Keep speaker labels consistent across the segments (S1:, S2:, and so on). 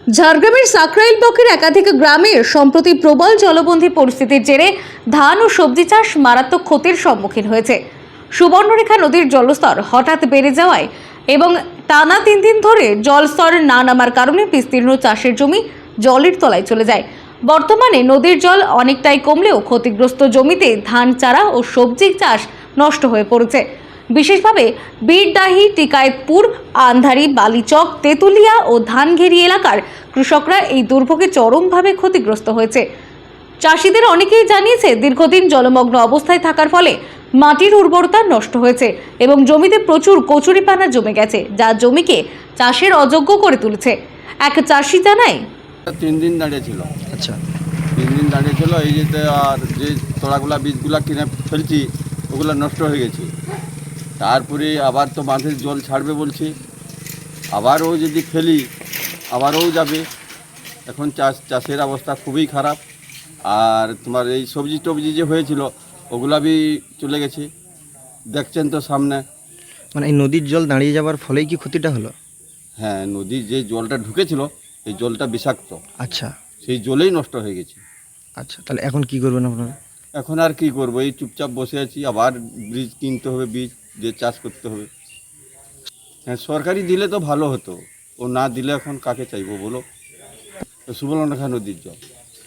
S1: ঝাড়গ্রামের সাকরাইল ব্লকের একাধিক গ্রামে সম্প্রতি প্রবল জলবন্দী পরিস্থিতির জেরে ধান ও সবজি চাষ মারাত্মক ক্ষতির সম্মুখীন হয়েছে। সুবর্ণরেখা নদীর জলস্তর হঠাৎ বেড়ে যাওয়ায় এবং টানা 3 দিন ধরে জলস্তর না নামার কারণে বিস্তীর্ণ চাষের জমি জলের তলায় চলে যায়। বর্তমানে নদীর জল অনেকটাই কমলেও ক্ষতিগ্রস্ত জমিতে ধান চারা ও সবজি চাষ নষ্ট হয়ে পড়েছে। বিশেষভাবে বীরডাহি, টিকায়েতপুর, আন্ধারি, বালিচক, তেতুলিয়া ও ধানঘেরি এলাকার কৃষকরা এই দুর্ভোগে চরমভাবে ক্ষতিগ্রস্ত হয়েছে। চাষিদের অনেকেই জানিয়েছে দীর্ঘদিন জলমগ্ন অবস্থায় থাকার ফলে মাটির উর্বরতা নষ্ট হয়েছে এবং জমিতে প্রচুর কচুরিপানা জমে গেছে, যা জমিকে চাষের অযোগ্য করে তুলেছে। এক চাষি জানায়,
S2: 3 দিন দাঁড়িয়েছিল।
S3: আচ্ছা,
S2: 3 দিন দাঁড়িয়েছিল। এই যেতে আর যে তোড়াগুলা বীজগুলা কিনে ফেলছি ওগুলো নষ্ট হয়ে গেছে। তারপরে আবার তো বাঁধের জল ছাড়বে বলছি, আবারও যদি ফেলি আবারও যাবে। এখন চাষের অবস্থা খুবই খারাপ। আর তোমার এই সবজি টবজি যে হয়েছিল ওগুলা বি চলে গেছে, দেখছেন তো সামনে।
S3: মানে এই নদীর জল দাঁড়িয়ে যাওয়ার ফলেই কি ক্ষতিটা হলো?
S2: হ্যাঁ, নদীর যে জলটা ঢুকেছিল এই জলটা বিষাক্ত,
S3: আচ্ছা
S2: সেই জলেই নষ্ট হয়ে গেছে।
S3: আচ্ছা, তাহলে এখন কি করবেন আপনারা?
S2: এখন আর কি করবো, এই চুপচাপ বসে আছি। আবার বীজ কিনতে হবে, বীজ দিয়ে চাষ করতে হবে। হ্যাঁ, সরকারি দিলে তো ভালো হতো, ও না দিলে এখন কাকে চাইবো বলো। সুবর্ণরেখা নদীর জল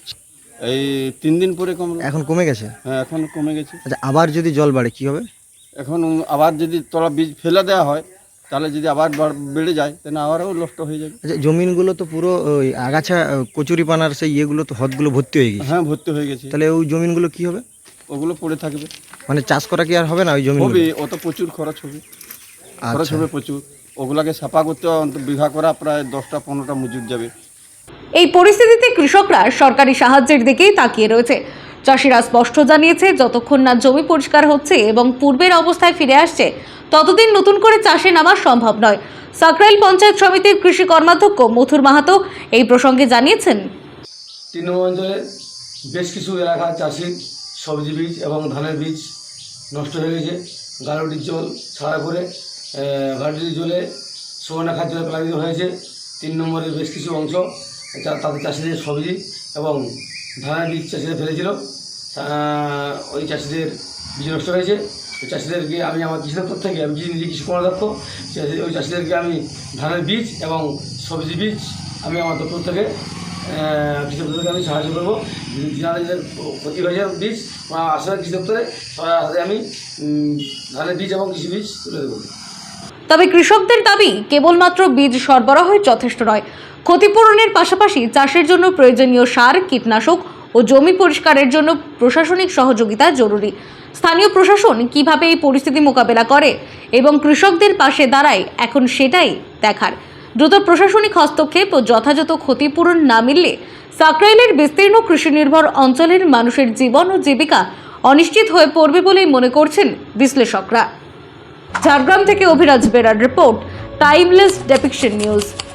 S2: এই 3 দিন পরে কমলো।
S3: এখন কমে গেছে?
S2: হ্যাঁ, এখন কমে গেছে।
S3: আচ্ছা, আবার যদি জল বাড়ে কি হবে?
S2: এখন আবার যদি তোলা বীজ ফেলে দেওয়া হয় তাহলে যদি আবার বেড়ে যায় তাহলে আবারও নষ্ট হয়ে যাবে।
S3: আচ্ছা, জমিনগুলো তো পুরো ওই আগাছা কচুরিপানার সেই ইয়েগুলো তো হদগুলো ভর্তি হয়ে গেছে।
S2: হ্যাঁ, ভর্তি হয়ে গেছে।
S3: তাহলে ওই জমিনগুলো কি হবে?
S2: ওগুলো পড়ে থাকবে।
S3: মানে চাষ করা কি আর হবে না ওই জমি?
S2: হবে, অত প্রচুর খরচ হবে, খরচ হবে প্রচুর। ওগুলাকে সাফা করতে বিঘা করা প্রায় 10টা-15টা মজুর যাবে।
S1: এই পরিস্থিতিতে কৃষকরা সরকারি সাহায্যের দিকেই তাকিয়ে রয়েছে। চাষিরা স্পষ্ট জানিয়েছে, যতক্ষণ না জমি পরিষ্কার হচ্ছে এবং পূর্বের অবস্থায় ফিরে আসছে ততদিন নতুন করে চাষে নামা সম্ভব নয়। সাকরাইল পঞ্চায়েত সমিতির কৃষি কর্মাধ্যক্ষ মথুর মাহাতো এই প্রসঙ্গে জানিয়েছেন,
S4: তৃণমূল অঞ্চলে বেশ কিছু এলাকার চাষির সবজি বীজ এবং ধানের বীজ নষ্ট হয়ে গেছে। গালুটির জল ছাড়া করে গালুটির জলে সুবর্ণরেখার জলে প্লাবিত হয়েছে। 3 নম্বরের বেশ কিছু অংশ তাদের চাষিদের সবজি এবং ধানের বীজ চাষিরা ফেলেছিল, ওই চাষিদের বীজ নষ্ট হয়েছে। ওই চাষিদেরকে আমি আমার কৃষি দপ্তর থেকে, আমি নিজে কৃষি কর্মদক্ষ, ওই চাষিদেরকে আমি ধানের বীজ এবং সবজি বীজ আমি আমার দপ্তর থেকে কৃষি দপ্তরকে আমি সাহায্য করবো। যাদের ক্ষতি হয়েছে বীজ আসলে কৃষি দপ্তরে সবার হাতে আমি ধানের বীজ এবং কৃষি বীজ তুলে দেবো।
S1: তবে কৃষকদের দাবি কেবলমাত্র বীজ সরবরাহই যথেষ্ট নয়, ক্ষতিপূরণের পাশাপাশি চাষের জন্য প্রয়োজনীয় সার, কীটনাশক ও জমি পরিষ্কারের জন্য প্রশাসনিক সহযোগিতা জরুরি। স্থানীয় প্রশাসন কিভাবে এই পরিস্থিতি মোকাবেলা করে এবং কৃষকদের পাশে দাঁড়ায়, এখন সেটাই দেখার। দ্রুত প্রশাসনিক হস্তক্ষেপ ও যথাযথ ক্ষতিপূরণ না মিললে সাকরাইলের বিস্তীর্ণ কৃষি নির্ভর অঞ্চলের মানুষের জীবন ও জীবিকা অনিশ্চিত হয়ে পড়বে বলেই মনে করছেন বিশ্লেষকরা। ঝাড়গ্রাম থেকে Abhiraj Berar report, timeless depiction news.